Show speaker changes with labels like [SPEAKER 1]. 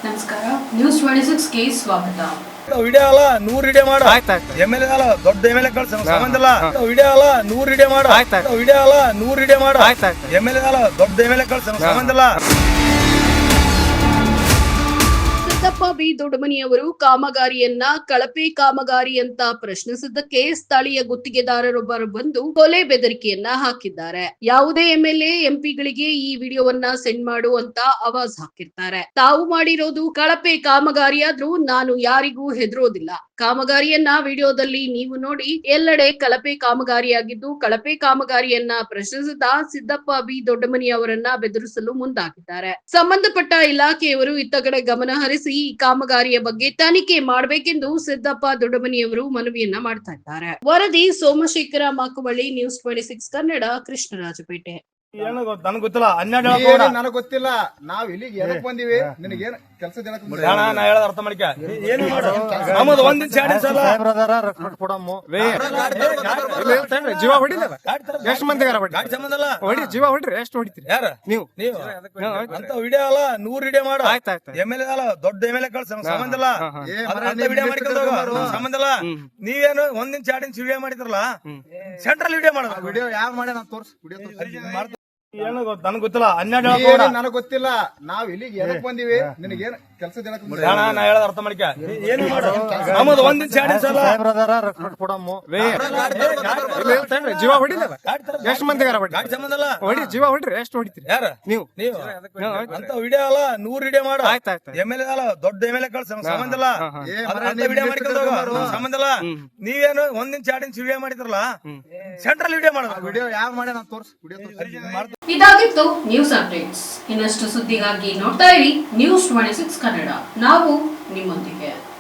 [SPEAKER 1] ನಮಸ್ಕಾರ, ನ್ಯೂಸ್ 26 ಗೆ ಸ್ವಾಗತ.
[SPEAKER 2] ವಿಡಿಯೋ ಅಲ್ಲ 100 ವಿಡಿಯೋ ಮಾಡು. ಎಮ್ಎಲ್ಎ ಅಲ್ಲ, ದೊಡ್ಡ ಎಮ್ಎಲ್ಎ ಕಳ್ಸ ಸಂಬಂಧ ಇಲ್ಲ. ವಿಡಿಯೋ ಅಲ್ಲ 100 ವಿಡಿಯೋ ಮಾಡು. ವಿಡಿಯೋ ಅಲ್ಲ 100 ವಿಡಿಯೋ ಮಾಡು. ಎಮ್ಎಲ್ಎ ಅಲ್ಲ, ದೊಡ್ಡ ಎಮ್ಎಲ್ಎ ಕಳ್ಸ ಸಂಬಂಧ ಇಲ್ಲ.
[SPEAKER 3] ಸಿದ್ದಪ್ಪ ಬಿ ದೊಡ್ಡಮನಿಯವರು ಕಾಮಗಾರಿಯನ್ನ ಕಳಪೆ ಕಾಮಗಾರಿ ಅಂತ ಪ್ರಶ್ನಿಸಿದ್ದಕ್ಕೆ ಸ್ಥಳೀಯ ಗುತ್ತಿಗೆದಾರರೊಬ್ಬರು ಬಂದು ಕೊಲೆ ಬೆದರಿಕೆಯನ್ನ ಹಾಕಿದ್ದಾರೆ. ಯಾವುದೇ ಎಂಎಲ್ಎ ಎಂಪಿಗಳಿಗೆ ಈ ವಿಡಿಯೋವನ್ನ ಸೆಂಡ್ ಮಾಡು ಅಂತ ಆವಾಜ್ ಹಾಕಿರ್ತಾರೆ. ತಾವು ಮಾಡಿರೋದು ಕಳಪೆ ಕಾಮಗಾರಿಯಾದ್ರೂ ನಾನು ಯಾರಿಗೂ ಹೆದರೋದಿಲ್ಲ. ಕಾಮಗಾರಿಯನ್ನ ವಿಡಿಯೋದಲ್ಲಿ ನೀವು ನೋಡಿ. ಎಲ್ಲೆಡೆ ಕಳಪೆ ಕಾಮಗಾರಿಯಾಗಿದ್ದು ಕಳಪೆ ಕಾಮಗಾರಿಯನ್ನ ಪ್ರಶ್ನಿಸಿದ ಸಿದ್ದಪ್ಪ ಬಿ ದೊಡ್ಡಮನಿ ಅವರನ್ನ ಬೆದರಿಸಲು ಮುಂದಾಗಿದ್ದಾರೆ. ಸಂಬಂಧಪಟ್ಟ ಇಲಾಖೆಯವರು ಇತ್ತ ಕಡೆ ಗಮನ ಹರಿಸಿ ಈ ಕಾಮಗಾರಿಯ ಬಗ್ಗೆ ತನಿಖೆ ಮಾಡಬೇಕೆಂದು ಸಿದ್ದಪ್ಪ ದೊಡ್ಡಮನಿಯವರು ಮನವಿಯನ್ನ ಮಾಡ್ತಾ ಇದ್ದಾರೆ. ವರದಿ ಸೋಮಶೇಖರ ಮಾಕುವಳ್ಳಿ, ನ್ಯೂಸ್ 26 ಕನ್ನಡ, ಕೃಷ್ಣರಾಜಪೇಟೆ.
[SPEAKER 2] ಏನು ನನಗೆ ಗೊತ್ತಿಲ್ಲ. 12
[SPEAKER 4] ನನಗೆ ಗೊತ್ತಿಲ್ಲ. ನಾವ್ ಇಲ್ಲಿಗೆ ಎದಕ್ ಬಂದಿವಿ? ನಿನಗೇನು ಕೆಲಸ
[SPEAKER 2] ನಾ ಹೇಳದ ಅರ್ಥ ಮಾಡ್ಕ. ಏನು ಮಾಡು ನಮ್ಮದು ಒಂದಿನ ಚಾಡಿ ಸಲ
[SPEAKER 4] ಜೀವ ಹೊಡಿಲ್ಲ. ಎಷ್ಟು ಮಂದಿಗಾರ
[SPEAKER 2] ಗಾಡಿ ಸಂಬಂಧ ಇಲ್ಲ.
[SPEAKER 4] ಹೊಡಿ, ಜೀವ ಹೊಡ್ರಿ. ಎಷ್ಟು ಹೊಡಿತೀರಿ
[SPEAKER 2] ಯಾರ ನೀವು ಅಂತ ವಿಡಿಯೋ ಅಲ್ಲ 100 ವಿಡಿಯೋ ಮಾಡು. ಎಮ್ಎಲ್ಎ ಅಲ್ಲ, ದೊಡ್ಡ ಎಮ್ಎಲ್ಎ ಕಳ್ಸ ಸಂಬಂಧ ಇಲ್ಲ. ವಿಡಿಯೋ ಮಾಡ್ಕೊಂಡು ಸಂಬಂಧ ಇಲ್ಲ. ನೀವೇನು ಒಂದಿನ ಚಾಡಿನ ವಿಡಿಯೋ ಮಾಡಿದ್ರಲ್ಲ, ಸೆಂಟ್ರಲ್ ವಿಡಿಯೋ ಮಾಡೋದು.
[SPEAKER 4] ವಿಡಿಯೋ ಯಾವ ಮಾಡಿ ನಾನು ತೋರ್ಸ್ ವಿಡಿಯೋ
[SPEAKER 2] ಏನು ನನಗೆ ಗೊತ್ತಿಲ್ಲ. 12
[SPEAKER 4] ನನಗೆ ಗೊತ್ತಿಲ್ಲ. ನಾವ್ ಇಲ್ಲಿಗೆ ಎದಕ್ ಬಂದಿವಿ? ನಿನಗೇನು ಕೆಲಸ
[SPEAKER 2] ನಾ ಹೇಳದ ಅರ್ಥ ಮಾಡ್ಕ. ಏನು ಮಾಡು ನಮ್ಮದು ಒಂದಿನ ಚಾಡಿ ಸಲ
[SPEAKER 4] ಜೀವ ಹೊಡಿಲ್ಲ. ಎಷ್ಟು ಮಂದಿಗಾರ
[SPEAKER 2] ಗಾಡಿ ಸಂಬಂಧ ಇಲ್ಲ.
[SPEAKER 4] ಹೊಡಿ, ಜೀವ ಹೊಡ್ರಿ. ಎಷ್ಟು ಹೊಡಿತೀರಿ
[SPEAKER 2] ಯಾರ ನೀವು ಅಂತ ವಿಡಿಯೋ ಅಲ್ಲ 100 ವಿಡಿಯೋ ಮಾಡು. ಎಮ್ಎಲ್ಎ ಅಲ್ಲ, ದೊಡ್ಡ ಎಮ್ಎಲ್ಎ ಕಳ್ಸ ಸಂಬಂಧ ಇಲ್ಲ. ವಿಡಿಯೋ ಮಾಡ್ಕೊಂಡು ಸಂಬಂಧ ಇಲ್ಲ. ನೀವೇನು ಒಂದಿನ ಚಾಡಿನ ವಿಡಿಯೋ ಮಾಡಿದ್ರಲ್ಲ, ಸೆಂಟ್ರಲ್ ವಿಡಿಯೋ ಮಾಡೋದು.
[SPEAKER 4] ವಿಡಿಯೋ ಯಾವ ಮಾಡಿ ನಾನು ತೋರ್ಸ್ ವಿಡಿಯೋ
[SPEAKER 1] ಇದಾಗಿತ್ತು ನ್ಯೂಸ್ ಅಪ್ಡೇಟ್ಸ್. ಇನ್ನಷ್ಟು ಸುದ್ದಿಗಾಗಿ ನೋಡ್ತಾ ಇರಿ ನ್ಯೂಸ್ 26 ಕನ್ನಡ. ನಾವು ನಿಮ್ಮೊಂದಿಗೆ.